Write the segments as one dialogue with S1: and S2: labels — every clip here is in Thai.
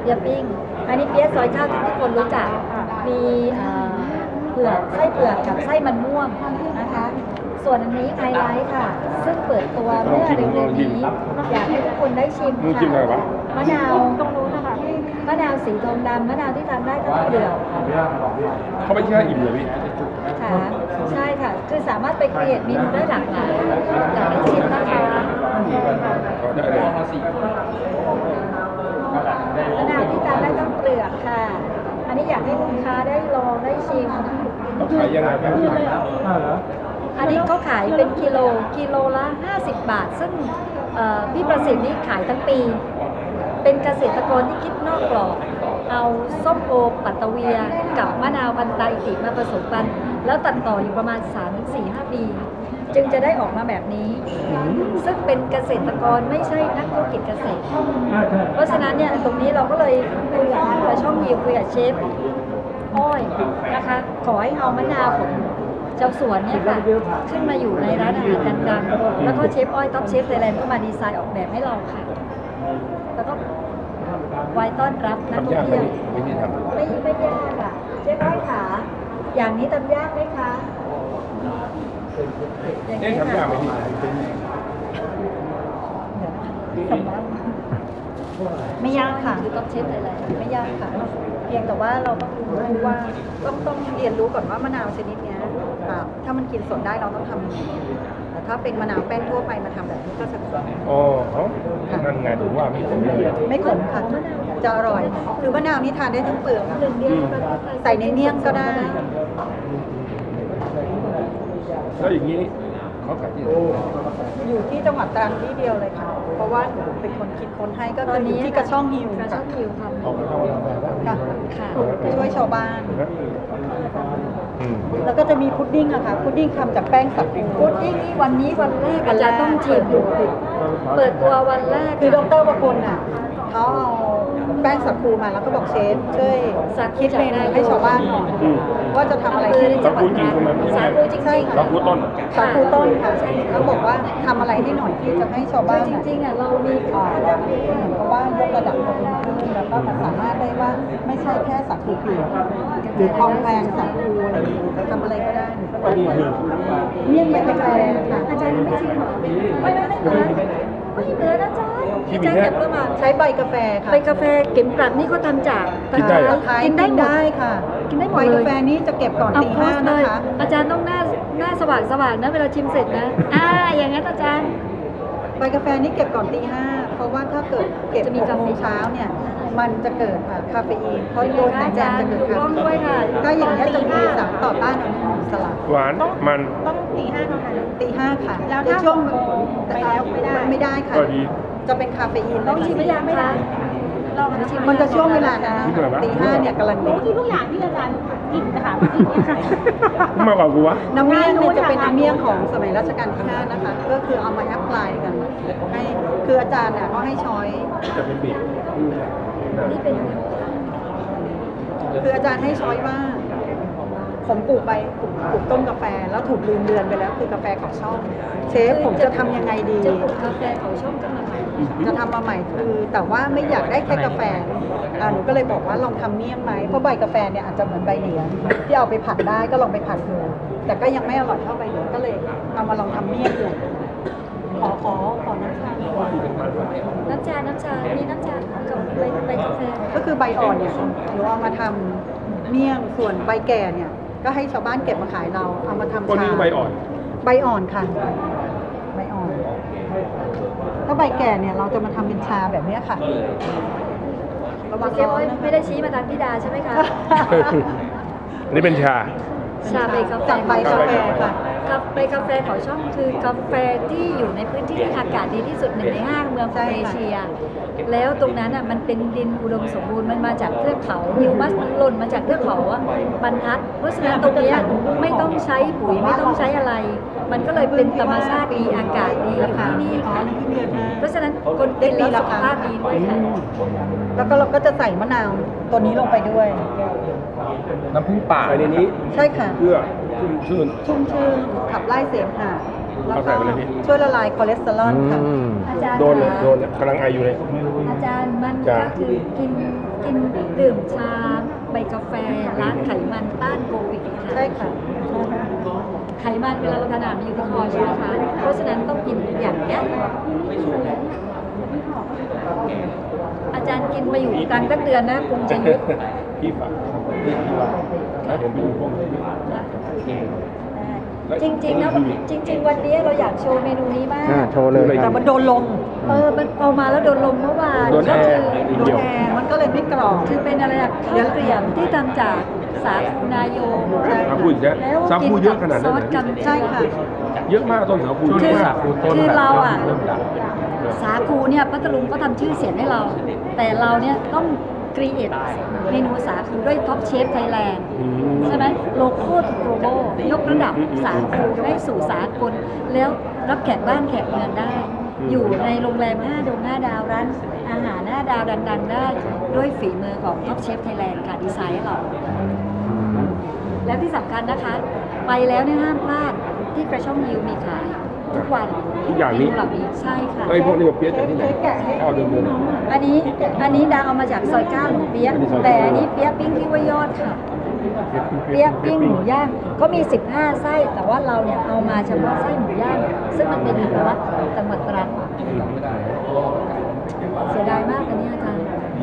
S1: เปี๊ยะปิ้งอันนี้เปี๊ยะซอยข้าวที่ทุกคนรู้จักมีเผือกไส้เผือกกับไส้มันม่วงนะคะส่วนอันนี้ไฮไลท์ค่ะซึ่งเปิดตัวเมื่อเร็วๆนี้อยากให้ทุกคนได้ชิมค่ะมะนาวตรงนู้นนะคะมะนาวสีทองดำมะนาวที่ทานได้ทั้งเปลือก
S2: เขาไม่ใช่อิ่มเลยพี่
S1: ค่ะใช่ค่ะคือสามารถไปเปลี่ยนเมนูได้หลากหลายอยากให้ชิมนะคะ
S2: ได้เลย
S1: มะนาวที่ทานได้ทั้งเปลือกค่ะอันนี้อยากให้ลูกค้าได้ลองได้ชิม
S2: ต้องขายยังไงครับ
S1: อันนี้ก็ขายเป็นกิโลละ50 บาทซึ่งพี่ประสิทธิ์นี่ขายทั้งปี เป็นเกษตรกรที่คิดนอกกรอบเอาส้มโอปัตตะเวียกับมะนาวพันธุ์ไตติมาผสมกันแล้วตัดต่ออยู่ประมาณ 3-4-5 ปี จึงจะได้ออกมาแบบนี้ ซึ่งเป็นเกษตรกรไม่ใช่นักธุรกิจเกษตรเพราะฉะนั้นเนี่ยตรงนี้เราก็เลยคุยกับช่องยิวคุยกับเชฟอ้อยนะคะขอให้เอามะนาวของเจ้าสวนเนี่ยค่ะขึ้นมาอยู่ในร้านอาหารดังๆแล้วก็เชฟอ้อยท็อปเชฟไทยแลนด์ก็มาดีไซน์ออกแบบให้เราค่ะแล้วก็ไว้ต้อนรับนักท่องเที่ยวไม่ยากอ่ะเชฟอ้อยขาอย่างนี้ทำยากไหมคะ
S2: ทำยากไหมพี่
S1: ไม่ยากค่ะคือท็อปเชฟไทยแลนด์ไม่ยากค่ะเพียงแต่ว่าเราต้องรู้ว่าต้องเรียนรู้ก่อนว่ามะนาวชนิดนี้ถ้ามันกินสดได้เราต้องทำยังไงแต่ถ้าเป็นมะนาวแป้นทั่วไปมาทำแบบนี้ก็จะขม
S2: อ๋อนั่นไงถือว่าไม่ขมเลย
S1: ไม่ขมค่ะจะอร่อยคือมะนาวนี่ทานได้ทั้งเปลือกใส่ในเมี่ยงก็ได้
S2: แล้วอย่างนี้เขาขายที่ไหน
S1: อยู่ที่จังหวัดตรังที่เดียวเลยค่ะเพราะว่าเป็นคนคิดค้นให้ก็คืออยู่ที่กระช่องฮิวค่ะค่ะช่วยชาวบ้านแล้วก็จะมีพุดดิ้งอะค่ะพุดดิ้งทำจากแป้งสับพุดดิ้งนี่วันนี้วันแรกอาจารย์ต้องชิมเปิดตัววันแรกคือดร.ประพลน่ะเขาเอาแป้งสับคูมาแล้วก็บอกเชฟช่วยคิดเมนูให้ชาวบ้านหน่อยว่าจะทำอะไรที่จังหวัดตรังสาคูจริงๆ
S2: สาคูต้น
S1: ค่ะแล้วบอกว่าทำอะไรให้หน่อยที่จะให้ชาวบ้านจริงๆอ่ะเรามีเหมือนกับว่ายกระดับตัวเองขึ้นแล้วก็มันสามารถได้ว่าไม่ใช่แค่สาคูเปลือกหรือทองแพงสาคูอะไรทำอะไรก็ได้เมี่ยงใบกาแฟค่ะอาจารย์ไม่ชิมหรอไม่เหมือนนะจ๊ะอาจารย์เก็บมาใช้ใบกาแฟค่ะใบกาแฟเก็บกลัดนี่เขาทำจาก
S2: กิน
S1: ได้ค่ะกินได้หมดเลยใบกาแฟนี้จะเก็บก่อนตี 5นะคะอาจารย์ต้องหน้าสว่างนะเวลาชิมเสร็จนะอย่างนั้นอาจารย์ใบกาแฟนี้เก็บก่อนตี 5เพราะว่าถ้าเกิดเก็บ6 โมงเช้าเนี่ยมันจะเกิดคาเฟอีนเพราะโดนอาจารย์จะเกิดคาเฟอีนถ้าอย่างนี้จะมีสารต่อต้านอนุมูลอิสระ
S2: หวานมัน
S1: ต้องตี 5เท่านั้นตี 5ค่ะแล้วถ้าช่วงไปแล้วไม่ได้ค่ะจะเป็นคาเฟอีนต้องชิมไม่ได้มันจะช่วงเวลานะตี 5เนี่ยกำลังดี
S3: ทุกอย่างที่อาจารย์กินนะคะ
S2: มากกว่ากูวะ
S1: น้ำเมี่ยงเนี่ยจะเป็นน้ำเมี่ยงของสมัยรัชกาลที่ 5นะคะก็คือเอามาแอพพลายกันให้คืออาจารย์เนี่ยก็ให้ช้อย
S2: จะเป็นบีบ
S1: นี่เป็นคืออาจารย์ให้ช้อยว่าผมปลูกต้นกาแฟแล้วถูกลืมเดือนไปแล้วคือกาแฟเขาช่องเชฟผมจะทำยังไงดีจะปลูกกาแฟเขาช่องจะทำมาใหม่คือแต่ว่าไม่อยากได้แค่กาแฟหนูก็เลยบอกว่าลองทำเมี่ยงไหมเพราะใบกาแฟเนี่ยอาจจะเหมือนใบเหลียงที่เอาไปผัดได้ก็ลองไปผัดดูแต่ก็ยังไม่อร่อยเท่าใบเหลียงก็เลยเอามาลองทำเมี่ยงดูขอน้ำชามีน้ำชากับใบกาแฟก็คือใบอ่อนเนี่ยหนูเอามาทำเมี่ยงส่วนใบแก่เนี่ยก็ให้ชาวบ้านเก็บมาขายเราเอามาทำชา
S2: ใบ
S1: อ่อนค่ะใบอ่อนถ้าใบแก่เนี่ยเราจะมาทำเป็นชาแบบนี้ค่ะระวังเชฟไม่ได้ชี้มาทางพี่ดาใช่ไหมคะ
S2: นี่เป็นชา
S1: ใบกาแฟค่ะใบกาแฟเขาช่องคือกาแฟที่อยู่ในพื้นที่ที่อากาศดีที่สุด1 ใน 5เมืองของเอเชียแล้วตรงนั้นอ่ะมันเป็นดินอุดมสมบูรณ์มันมาจากเทือกเขาฮิวมัสมันหล่นมาจากเทือกเขาบรรทัดเพราะฉะนั้นตรงนี้ไม่ต้องใช้ปุ๋ยไม่ต้องใช้อะไรมันก็เลยเป็นธรรมชาติดีอากาศดีที่นี่ค่ะเพราะฉะนั้นคนกินแล้วสุขภาพดีด้วยค่ะแล้วก็เราก็จะใส่มะนาวตัวนี้ลงไปด้วย
S2: น้ำผึ้งป่าในนี้
S1: ใช่ค่ะ
S2: เพื่อชุ่ม
S1: ชื่นขับไล่เสมหะแล้วก็ช่วยละลายคอเลสเตอรอลค่ะ
S2: โดนกำลังไออยู่เลย
S1: อาจจารย์มันก็คือกินดื่มชาใบกาแฟล้างไขมันต้านโควิดค่ะใช่ค่ะไขมันเวลาเราทานอาหารมันอยู่ที่คอใช่ไหมคะเพราะฉะนั้นต้องกินอย่างเนี้ยอาจารย์กินมาอยู่กลางตั้งเดือนนะคงจะยุบ
S2: พี่ฝากพี่ว่าแล้วผมไปดูพวกนี้
S1: จริงๆนะจริง ๆ วันนี้เราอยากโชว์เมนูนี้มาก
S4: โชว์เลย
S1: แต่มันโดนลมมันเอามาแล้วโดนลมเมื่อวาน
S2: โดนแอร์
S1: โดนแอร์มันก็เลยไม่กรอบคือเป็นอะไรอะข้าวเกรียมที่ทำจากสาคูนายโย
S2: สาคูอีกแล้ว
S1: แล้ว
S2: สาคูเยอะขนาดนั้น
S1: ซ
S2: เห
S1: อ
S2: รอ
S1: สกันใช่ค่ะ
S2: เยอะมากต้นสาคู
S1: คือ
S2: เยอะมาก
S1: คือเราอะ
S2: เริ่มดัง
S1: สาคูเนี่ยพัทลุงก็ทำชื่อเสียงให้เรา แต่เราเนี่ยต้องครีเอทเมนูสาคูด้วยท็อปเชฟไทยแลนด์ใช่ไหมโลโก้ถูกโกลบอลยกระดับสาคูให้สู่สากลแล้วรับแขกบ้านแขกเมืองได้ อยู่ในโรงแรม5 ดวง 5 ดาวร้านอาหาร5 ดาวดังๆได้ด้วยฝีมือของท็อปเชฟไทยแลนด์ค่ะดีไซน์ให้เรา แล้วที่สำคัญนะคะ ไปแล้วเนี่ยห้ามพลาดที่กระช่องยิวมีขายทุกวัน
S2: ทุกอย่างนี้
S1: เมเหล่านี้ใช่ค่ะ
S2: ไอ้พวกนี้มาเปี๊ยะจากที่ไหนข้าวเดิม
S1: อันนี้ดาเอามาจากซอย9หนูเปี๊ยะแต่อันนี้เปี๊ยะปิ้งที่ว่ายอดค่ะ เปี๊ยะปิ้งหมูย่างเขามี15ไส้แต่ว่าเราเนี่ยเอามาเฉพาะไส้หมูย่างซึ่งมันเป็นเอกลักษณ์ของจังหวัดตรังเสียดายมากอันนี้อาจารย์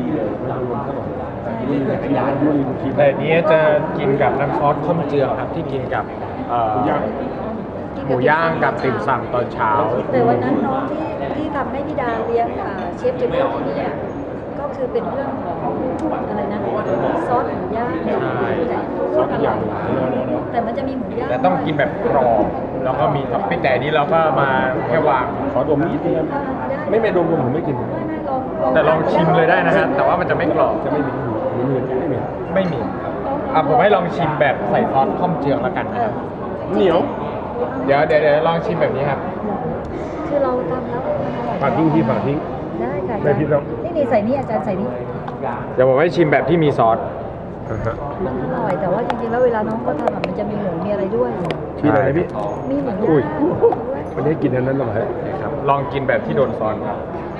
S4: แต่อันนี้จะกินกับน้ำซอสข้มเจืองครับที่กินกับหมูย่างกับติ่มซำตอนเช้า
S1: แต่วันนั้นน้องที่ทำให้พี่ดาเลี้ยงเชฟเจมส์ที่นี่ก็คือเป็นเรื่องของอะไรนะซอสหมูย่าง
S4: ใช่
S2: ซอสทุกอย่าง
S1: แต่มันจะมีหมูย่าง
S4: แต่ต้องกินแบบกรอบแล้วก็มีท็อปปิ้งแต่อันนี้เราก็มาแค่วาง
S2: ขอดมนิดนึงไม่ดมผมไม่กิน
S1: ไม่ลอง
S4: แต่ลองชิมเลยได้นะฮะแต่ว่ามันจะไม่กรอบ
S2: จะไม่มีไม่มี
S4: ไม่มีผมให้ลองชิมแบบใส่ซอสข้มเจืองแล้วกันนะครับ
S2: เหนียว
S4: เดี๋ยวลองชิมแบบนี้ครับ
S1: คือเราทำแล้ว
S2: ฝากทิ้งที่ฝากทิ้ง
S1: ได้ค่ะ
S2: ไม่ผิดหรอก
S1: นี่ใส่นี่อาจารย์ใส่นี่
S4: เดี๋ยวผมให้ชิมแบบที่มีซอส
S1: มันอร่อยแต่ว่าจริงๆแล้วเวลาน้องก็ทำมันจะมีหมูมีอะไรด้วย
S2: มีอะไรนะพี่
S1: มีหมู
S2: อุ้ย
S1: ย่างด้วย
S2: วันนี้กินอันนั้นหรอฮะ
S4: ครับลองกินแบบที่โดนซอสครับ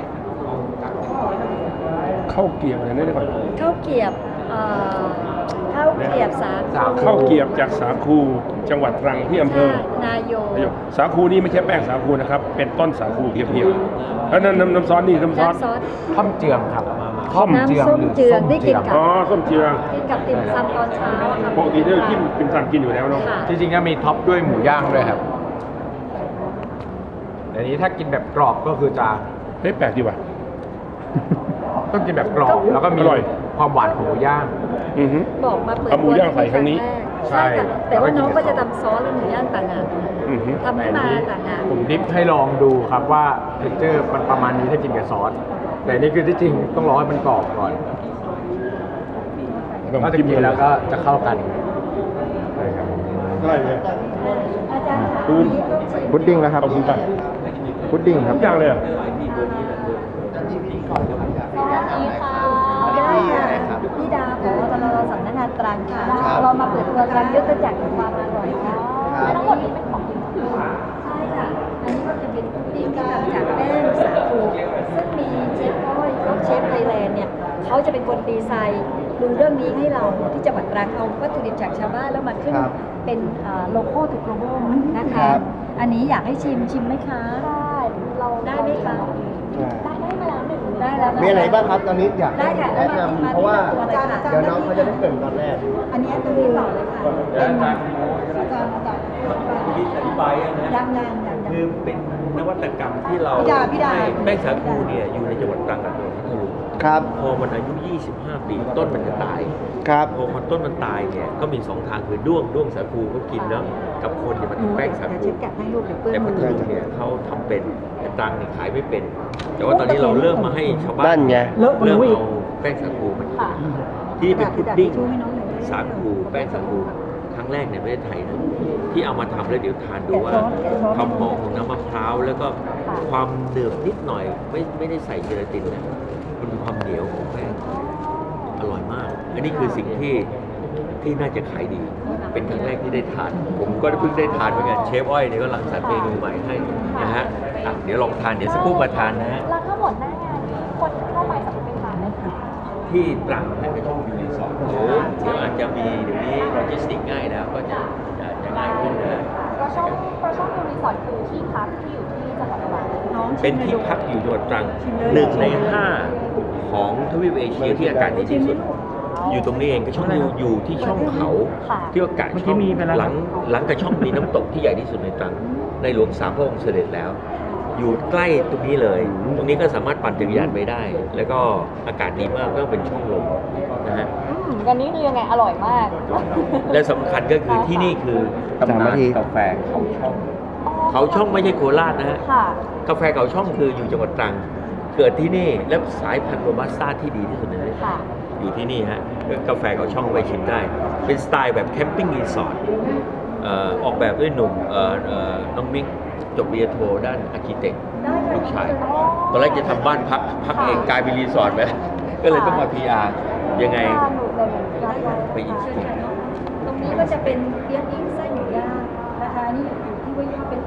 S2: ข้าวเกรี๊ยวอะไรนั่นก่อน
S1: ข้าวเกรียบข้าวเกรียบสาคู
S2: ข้าวเกรี๊ยวจากสาคูจังหวัดตรังที่อำเภอ
S1: นายโย
S2: สาคูนี่ไม่ใช่แป้งสาคูนะครับ เป็นต้นสาคูเพียวๆแล้วน้ำซอสนี่น้ำซอส
S1: น้ำซอส
S4: ข้มเจืองครับ
S2: ข้ม
S1: น้ำส้มเจืองที่กินกับ
S2: อ๋อส้มเจือง
S1: กินกับติ่มซำตอนเช้าค่ะ
S2: ปกติเนี่ยกินเป็นสั่งกินอยู่แล้วเนาะ
S1: ค่ะ
S4: จริงๆก็มีท็อปด้วยหมูย่างด้วยครับอันนี้ถ้ากินแบบกรอบก็คือจะ
S2: เฮ้ยแปลกดีว่ะ
S4: ต้องกินแบบกรอบแล้วก็มี
S2: อร่อย
S4: ความหวานของหมูย่าง
S2: อือฮึ
S1: บอกมาเปิด
S2: เอาหมูย่างใส่ครั้งนี้
S1: ใช่ค่ะ
S4: ใช่
S1: แต่ว่าน้องก็จะทำซอสและหมูย่างต่างหาก
S2: อือฮึ
S1: ทำขึ้นมาต่างหาก
S4: ผมดิฟให้ลองดูครับว่าเท็กเจอร์มันประมาณนี้ถ้ากินกับซอส แต่นี่คือที่จริงต้องรอให้มันกรอบก่อนก็จะกินแล้วก็จะเข้ากัน
S2: อะไรเนี่ย
S1: อาจารย์คะ
S2: ปูน
S4: พุดดิ้งแล้วครับ
S2: ขอบคุณครับ
S4: พุดดิ้งครับ
S2: ทุกอย่างเลยเหรอ
S1: ได้ค่ะพี่ดาผอตลสำนักงานตรังค่ะ เรามาเปิดตัวตรังยุทธจักรแห่งความอร่อยค่ะทั้งหมดนี้เป็นของกินใช่ค่ะ อันนี้ก็จะเป็นพุดดิ้งที่ทำจากแป้งสาคูซึ่งมีเชฟอ้อยแล้วเชฟไทยแลนด์เนี่ยเขาจะเป็นคนดีไซน์ดูเรื่องนี้ให้เราที่จังหวัดตรังเอาวัตถุดิบจากชาวบ้านแล้วมาขึ้นเป็นโลโก้ถูกโลโก้นะคะ อันนี้อยากให้ชิมไหมคะได้เราได้ไหมคะได้มาแล้วหนึ่งได้แล้ว
S5: มีอะไรบ้างครับตอนนี้อยาก
S1: ได้ค่ะ
S5: แนะนำเพราะว่าเดี๋ยวน้องเขาจะได้เกรินตอนแรก
S1: อันนี้ตรงนี้ต่อเลยค่ะเป็นอธิบายยัง
S6: คือเป็นนวัตกรรมที่เรา
S1: พี่ดา
S6: ให้แป้งสาคูเนี่ยอยู่ในจังหวัดตรังกับจังหวัดพัทลุง
S5: ครับ
S6: พอมันอายุ 25 ปีต้นมันจะตาย
S5: ครับ
S6: พอมันต้นมันตายเนี่ยก็มี2ทางคือด้วงสาคูก็กินเนาะกับคนเนี่ยมันทำแป้งสาคู
S1: เช็ดแกะให้ลูกเดี๋ยวเปื้อน
S6: แต่พั
S1: มื
S6: ท
S1: อ
S6: ลุงเนี่ยเขาทำเป็นแต่ตรังเนี่ยขายไม่เป็น แต่ว่าตอนนี้เราเริ่มมาให้ชาวบ้า
S5: นั่
S6: น
S5: นไง
S6: เริ่มเอาแป้งสาคูมากินที่เป็นพุดดิ้ง
S1: ช่วยให้น้องหน่อย
S6: สาคูแป้งสาคูครั้งแรกในประเทศไทยนะที่เอามาทำแล้วเดี๋ยวทานดูว่าความหอมของน้ำมะพร้าวแล้วก็ความเดือบนิดหน่อยไม่ได้ใส่เจลาตินนะมันมีความเหนียวของแป้งอร่อยมาก อันนี้คือสิ่งที่น่าจะขายดี เป็นครั้งแรกที่ได้ทาน ผมก็เพิ่งได้ทานเหมือนกันเชฟอ้อยเนี่ยก็รังสรรค์เมนูใหม่ให้นะฮะเดี๋ยวลองทานเดี๋ยวสักครู่มาทานนะฮะ
S3: แล้วทั้งหมดหน้างานนี้คนเข้าไปสัก
S6: ที่ตรังให้กระช่องวิวรีสอร์ทเดี๋ยวอาจจะมีเดี๋ยวนี้โลจิสติกง่ายแล้วก็จะง่ายขึ้นนะ
S3: ปลาช่องดูรีสอร์ทคือที่พักที่อยู่ที่จังหวัดตรัง
S6: เป็นที่พักอยู่จังหวัดตรัง1 ใน 5ของทวีปเอเชียที่อากาศดีที่สุด อยู่ตรงนี้เองกระช่องอยู่ที่ช่องเขาที่อากาศช่องหลังกระช่องมีน้ำตกที่ใหญ่ที่สุดในตรังในหลวงสามพระองค์เสด็จแล้ว อยู่ใกล้ตรงนี้เลย ตรงนี้ก็สามารถปั่นจักรยานไปได้ แล้วก็อากาศดีมากก็เป็นช่องลมนะฮะ
S3: กันนี้คือยังไงอร่อยมาก
S6: และสำคัญก็คือที่นี่คือตำนานกาแฟเขาช่องเขาช่องไม่ใช่โคราชนะฮะ
S3: ค่ะ
S6: กาแฟเขาช่องคืออยู่จังหวัดตรัง เกิดที่นี่และสายพันธุ์โรบัสต้าที่ดีที่สุดในโลก
S3: ค่ะ
S6: อยู่ที่นี่ฮะกาแฟเขาช่องไปชิมได้ เป็นสไตล์แบบแคมปิ้งรีสอร์ทออกแบบด้วยหนุ่มน้องมิกจบปริญญาโทด้านอาร์คิเต็กลูกชายตอนแรกจะทำบ้านพักเองกลายเป็นรีสอร์ทไปแล้วก็เลยต้องมา PR ยังไงไปอีก
S1: ตรงนี้ก็จะเป็นเลี้ยงอิ้งไส้หมูย่างนะคะนี่อยู่ที่ว่าเป็น